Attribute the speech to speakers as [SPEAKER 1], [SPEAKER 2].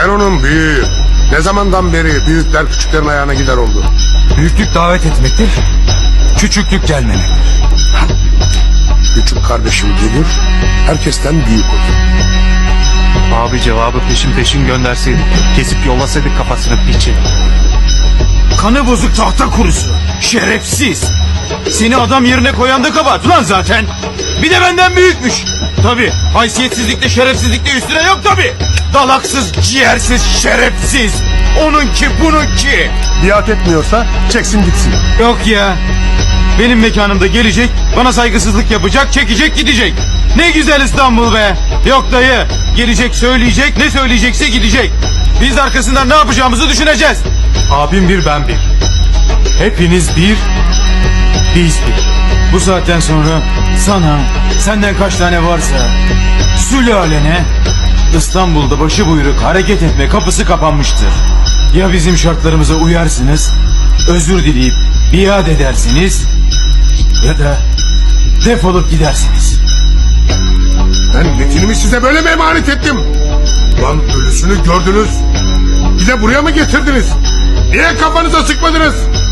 [SPEAKER 1] Sen onun büyüğü. Ne zamandan beri büyükler küçüklerin ayağına gider oldu?
[SPEAKER 2] Büyüklük davet etmektir, küçüklük gelmemektir.
[SPEAKER 1] Küçük kardeşim gelir, herkesten büyük olur.
[SPEAKER 3] Abi cevabı peşin gönderseydik. Kesip yollasaydık kafasını piçin.
[SPEAKER 4] Kanı bozuk tahta kurusu. Şerefsiz. Seni adam yerine koyan da kabahat lan zaten. Bir de benden büyükmüş. Tabi haysiyetsizlikle şerefsizlikle üstüne yok tabi. Dalaksız, ciğersiz, şerefsiz. Onunki bununki.
[SPEAKER 1] Biat etmiyorsa çeksin gitsin.
[SPEAKER 4] Yok ya. Benim mekanımda gelecek, bana saygısızlık yapacak, çekecek gidecek. Ne güzel İstanbul be. Yok dayı. Gelecek söyleyecek, ne söyleyecekse gidecek. Biz de arkasından ne yapacağımızı düşüneceğiz.
[SPEAKER 3] Abim bir, ben bir. Hepiniz bir, biz bir.
[SPEAKER 4] Bu saatten sonra sana, senden kaç tane varsa sülalene İstanbul'da başıbuyruk hareket etme kapısı kapanmıştır. Ya bizim şartlarımıza uyarsınız, özür dileyip biat edersiniz ya da defolup gidersiniz.
[SPEAKER 1] Ben Metin'imi size böyle mi emanet ettim? Lan ölüsünü gördünüz. Bir de buraya mı getirdiniz? Niye kafanıza sıkmadınız?